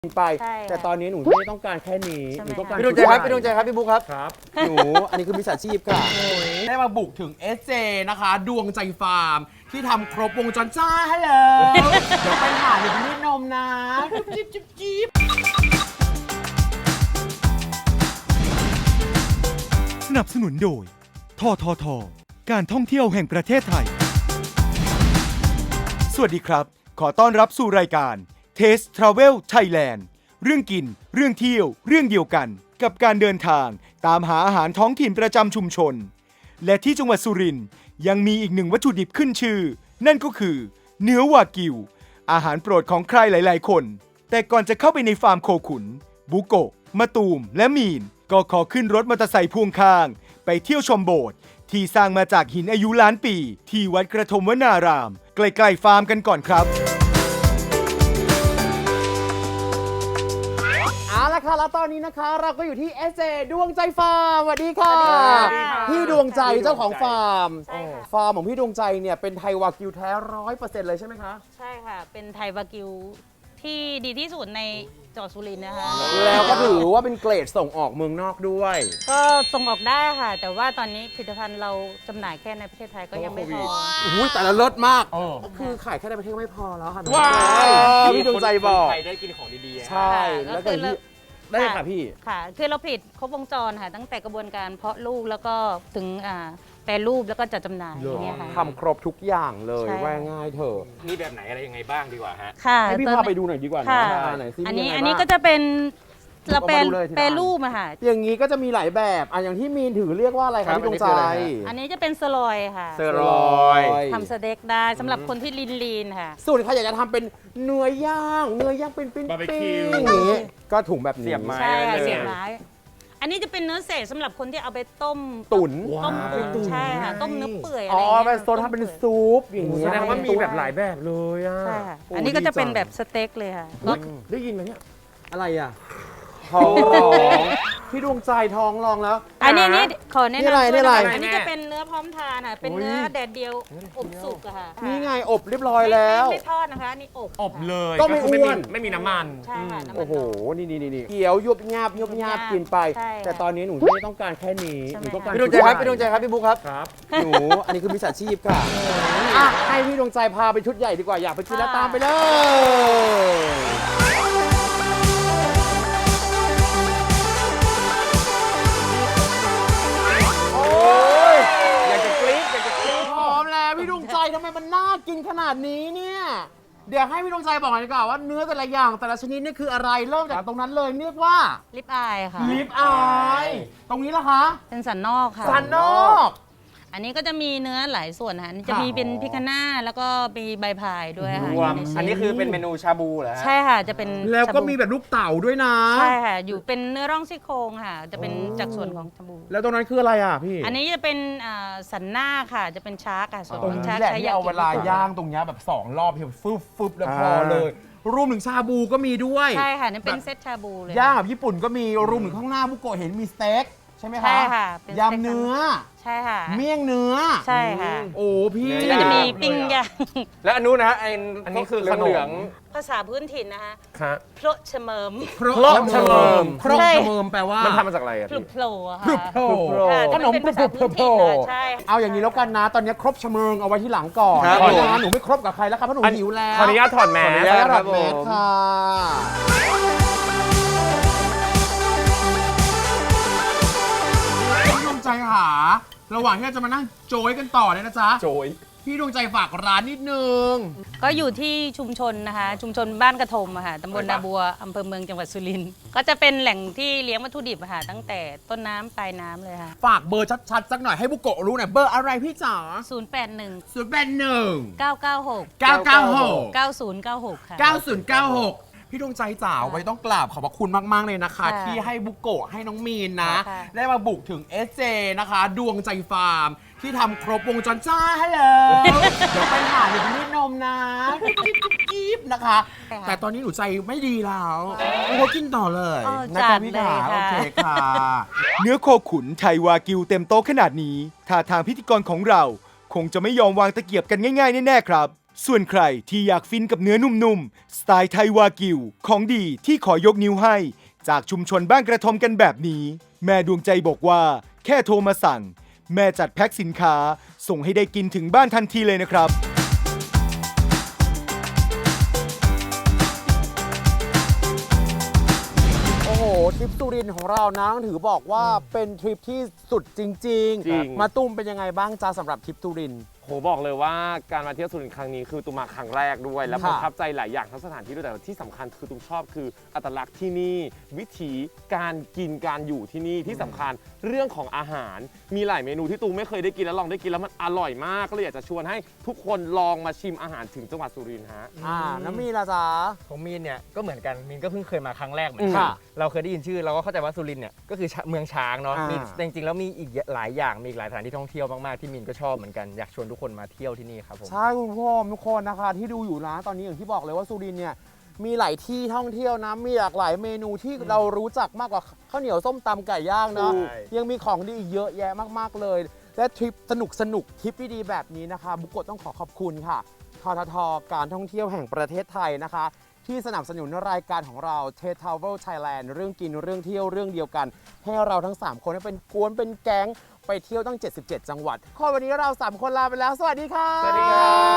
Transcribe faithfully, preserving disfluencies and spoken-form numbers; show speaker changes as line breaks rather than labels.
ไปแต่ตอนนี้หนูไม่ได้ต้องการแค่นี้หนูต้องการ
พี่ดวงใจครับพี่ดวงใจครับพี่บุ๊คครับ
ครับหนูอันนี้คือมิจฉาชีพค่ะได้มาบุกถึง เอส เจ นะคะ ดวงใจฟาร์มที่ทำครบวงจรจ้าให้เลยเดี๋ยวไปหาหนูที่นี่นมนะจิ๊บจิ๊บจิ๊บ
สนับสนุนโดยททท การท่องเที่ยวแห่งประเทศไทยสวัสดีครับขอต้อนรับสู่รายการ Taste Travel Thailand เรื่องกินเรื่องเที่ยวเรื่องเดียวกันกับการเดินทางตามหาอาหารท้องถิ่นประจำชุมชนและที่จังหวัดสุรินทร์ยังมีอีกหนึ่งวัตถุดิบขึ้นชื่อนั่นก็คือเนื้อวากิวอาหารโปรดของใครหลายๆคนแต่ก่อนจะเข้าไปในฟาร์มโคขุนบุโกะมะตูมและมีนก็ขอขึ้นรถมอเตอร์ไซค์พ่วงข้างไปเที่ยวชมโบสถ์ที่สร้างมาจากหินอายุล้านปีที่วัดกระทมวนารามใกล้ๆฟาร์มกันก่อนครับ
เอาละค่ะแล้วตอนนี้นะคะเราก็อยู่ที่ เอส เจ ดวงใจฟาร์มสวัสดีค่ะพี่ดวงใจเจ้าของฟาร์มฟาร์มของพี่ดวงใจเนี่ยเป็นไทยวากิวแท้ร้อยเปอร์เซ็นต์เลยใช่ไหมคะ
ใช่ค่ะเป็นไทยวากิวที่ดีที่สุดในจังหวัดสุรินทร์นะคะ
แล้วก็ถือว่าเป็นเกรดส่งออกเมืองนอกด้วย
ก็ส่งออกได้ค่ะ แต่ว่าตอนนี้ผลิตภัณฑ์เราจำหน่ายแค่ในประเทศไทยก็ยังไม่พอ
อุ้ยแต่ละเลิศมากคือขายแค่ในประเทศไม่พอแล้วค่ะว้าวพี่ดวงใจบอก
คนไทยได้กินของดีๆ
ใช่แล้วก็ได้ค่ะพี่
ค่ะคือเราผลิตครบวงจรค่ะตั้งแต่กระบวนการเพาะลูกแล้วก็ถึงอ่าแปรรูปแล้วก็จัดจำหน่ายอย่างเงี้ยค่ะ
ทำครบทุกอย่างเลยว่าง่ายเถอะ
มีแบบไหนอะไรยังไงบ้างดีกว่าฮะ
ค่ะ
ให้พี่พาไปดูหน่อยดีกว่านะไหนซิ
อันนี้อันนี้ก็จะเป็นเราเป็นแปรรูปอะค่ะ
อย่างนี้ก็จะมีหลายแบบอ่ะอย่างที่มีนถือเรียกว่าอะไรครับพี่ดวงใจ
อันนี้จะเป็นสลอยค่ะ
สลอย
ทำสเต็กได้สำหรับคนที่ลีนลีนค่ะ
ส่วนใครอยากจะทำเป็นเนื้อย่างเนื้อย่างเป็นปิ้งๆอย่างนี้ก็ถุงแบบนี้
เสียบไม้
ใช่ค่ะเสียบไม้อันนี้จะเป็นเนื้อเศษสำหรับคนที่เอาไปต้ม
ตุ๋น
ต้มใช่ค่ะต้มเนื้อเปื่อยอะไร
อ๋
อ
อย่าง
เงี้ย
เป็นโซนทำเป็นซุปอย่างเงี้ย
แสดงว่ามีแบบหลายแบบเลยอ่ะ
ใช่ค่ะอันนี้ก็จะเป็นแบบสเต็กเลยค่ะ
ได้ยินไหมเนี่ยอะไรอ่ะท้องร้องพี่ดวงใจท้องร้องแล้ว
อันนี้นี่ขอแนะนำด้วย
นะคะ
อันนี้จะเป็นเนื้อพร้อมทานค่ะเป็นเนื้อแดดเดียวอบสุกอะค่ะ
นี่ไงอบเรียบร้อยแล้ว
ไม่ทอดนะคะนี่อบ
อบเลย
ก็ไม่อ้วน
ไม่มีน้ำมัน
ใช่ค่ะ
โอ้โหนี่นี่นี่เกี๊ยวยุบยาบยุบยาบกินไปแต่ตอนนี้หนูไม่ได้ต้องการแค่นี้หนูต้องการ
พี่ดวงใจครับพี่ดวงใจครับพี่บุ๊คครับ
ครับหนูอันนี้คือมิจฉาชีพค่ะอ่ะให้พี่ดวงใจพาไปชุดใหญ่ดีกว่าอยากไปกินแล้วตามไปเลยอยากจะกรี๊ดอยากจะกรี๊ดพร้อมแล้วพี่ดวงใจทำไมมันน่ากินขนาดนี้เนี่ยเดี๋ยวให้พี่ดวงใจบอกหน่อยดีกว่าว่าเนื้อแต่ละอย่างแต่ละชนิดนี่คืออะไรเริ่มจากตรงนั้นเลยเรียกว่า
ลิปอายค่ะ
ลิปอายตรงนี้ล่ะคะ
เป็นสันนอกค่ะ
สันนอก
อันนี้ก็จะมีเนื้อหลายส่วนค่ะจะมีเป็นพิคาน่าแล้วก็มีใบพายด้วยค่ะ
อันนี้คือเป็นเมนูชาบูเหรอ
ใช่ค่ะจะเป็น
แล้วก็มีแบบลูกเต่าด้วยนะ
ใช่ค่ะอยู่เป็นเนื้อร่องซี่โครงค่ะจะเป็นจากส่วนของชาบู
แล้วตรงนั้นคืออะไรอ่ะพี่
อันนี้จะเป็นสันหน้าค่ะจะเป็นชาร์กค่ะส่วนของชาร์ก
ใช้เอาเวลาย่างตรงนี้แบบสองรอบเพียงฟึบฟึบแล้วพอเลยรวมถึงชาบูก็มีด้วย
ใช่ค่ะนี่เป็นเซตชาบูเลย
ย่างแบบญี่ปุ่นก็มีรวมถึงข้างหน้าบุโกะเห็นมีสเต็กใช่ไหมคะ
ใช่ค่ะ
ยำเนื้อ
ใช่ค่ะ
เมี่ยงเนื้อ
ใช่ค่ะ
โอ้พี่
ก็จะมีปิ้งย่าง
และอันนู้นนะอันนี้คือขนม
ภาษาพื้นถิ่นนะคะ
ครับ
โพลชเมิม
โพลชเมิมโพลชเมิมแปลว่า
มันทำมาจากอะไรอ่ะ
พลุโผล่ค่ะ
พลุโผล่ขนมพลุโผล่
ใช่
เอาอย่างนี้แล้วกันนะตอนนี้ครบชเมิงเอาไว้ที่หลังก่อนเพราะว่าหนูไม่ครบกับใครแล้วครับเพราะหนูหิวแล้ว
ขออนุญาตถอดแมส
ครับผมค่ะพี่ดวงใจหาระหว่างที่เราจะมานั่งโจยกันต่อเนี่ยนะจ๊ะ
โจย
พี่ดวงใจฝากร้านนิดนึง
ก็อยู่ที่ชุมชนนะคะชุมชนบ้านกระทมอะค่ะตำบลนาบัวอำเภอเมืองจังหวัดสุรินทร์ก็จะเป็นแหล่งที่เลี้ยงวัตถุดิบอะค่ะตั้งแต่ต้นน้ำปลายน้ำเลยค่ะ
ฝากเบอร์ชัดๆสักหน่อยให้บุโกะรู้หน่อยเบอร์อะไรพี่จ๋า
ศูนย์แปดหนึ่ง
ศูนย์แปดหนึ่ง
เก้าเก้าหก
เก้าเก้าหก
เก้าศูนย์เก้าหกค่ะ
เก้าศูนย์เก้าหกพี่ดวงใจจ๋าไว้ต้องกราบขอบพระคุณมากๆเลยนะคะที่ให้บุโกะให้น้องมีนนะได้มาบุกถึง เอส เจ นะคะ ดวงใจฟาร์มที่ทำครบวงจรจ้าให้เลยเดี๋ยวไปหาหนูที่นี่นมนะจิ๊บนะคะแต่ตอนนี้หนูใจไม่ดีแล้วหนูกินต่อเลย
นะคะ
พี่ขาโอเคค่ะ
เนื้อโคขุนไทยวากิวเต็มโต๊ะขนาดนี้ท่าทางพิธีกรของเราคงจะไม่ยอมวางตะเกียบกันง่ายๆแน่ๆครับส่วนใครที่อยากฟินกับเนื้อนุ่มๆ สไตล์ไทยวากิว ของดีที่ขอยกนิ้วให้ จากชุมชนบ้านกระทอมกันแบบนี้ แม่ดวงใจบอกว่าแค่โทรมาสั่ง แม่จัดแพ็คสินค้า ส่งให้ได้กินถึงบ้านทันทีเลยนะครับ
โอ้โหทริปสุรินทร์ของเรานะต้องถือบอกว่าเป็นทริปที่สุดจริง
จริง
ๆ มาตุ้มเป็นยังไงบ้างจ้าสำหรับทริปสุรินทร์
โหบอกเลยว่าการมาเที่ยวสุรินทร์ครั้งนี้คือตุ้มมาครั้งแรกด้วย และ
ค่ะ
ประทับใจหลายอย่างทั้งสถานที่ด้วยแต่ที่สำคัญคือตุ้มชอบคืออัตลักษณ์ที่นี่ วิถีการกินการอยู่ที่นี่ที่สำคัญเรื่องของอาหารมีหลายเมนูที่ตุ้มไม่เคยได้กินแล้วลองได้กินแล้วมันอร่อยมากก็เลยอยากจะชวนให้ทุกคนลองมาชิมอาหารถึงจังหวัดสุรินทร์ฮะ
อ่าน้ำมีละจ้า
ของมีนเนี่ยก็เหมือนกันมีนก็เพิ่งเคยมาครั้งแรกเหมือนกั
ค่ะ
เราเคยได้ยินชื่อเราก็เข้าใจว่าสุรินทร์เนี่ยก็คือเมืองช้างเนาะ
อ่ามี
มีแต่จริงๆแล้วมีอีกหลายอย่างมีอีกหลายสถานที่ท่องเที่ยวมากๆที่มีนก็ชอบเหมือนกันอยากชวนทุกคนมาเที่ยวที่นี่ครับผม
ใช่คุณผู้ชมทุกคนนะคะที่ดูอยู่นะตอนนี้อย่างที่บอกเลยว่าสุรินทร์เนี่ยมีหลายที่ท่องเที่ยวนะมีหลากหลายเมนูที่เรารู้จักมากกว่าข้าวเหนียวส้มตำไก่ย่างเนาะ
ใช่
ยังมีของดีอีกเยอะแยะมากๆเลย และทริปสนุกสนุกๆทริปดีๆแบบนี้นะคะบุกโกะต้องขอขอบคุณค่ะทททการท่องเที่ยวแห่งประเทศไทยนะคะ ที่สนับสนุนรายการของเรา Taste Travel Thailand เรื่องกินเรื่องเที่ยวเรื่องเดียวกัน ให้เราทั้งสามคนเป็นกวนเป็นแก๊งไปเที่ยวตั้งเจ็ดสิบเจ็ดจังหวัดข้อวันนี้เราสามคนลาไปแล้วสวัสดีค่ะ
สวัสดีครับ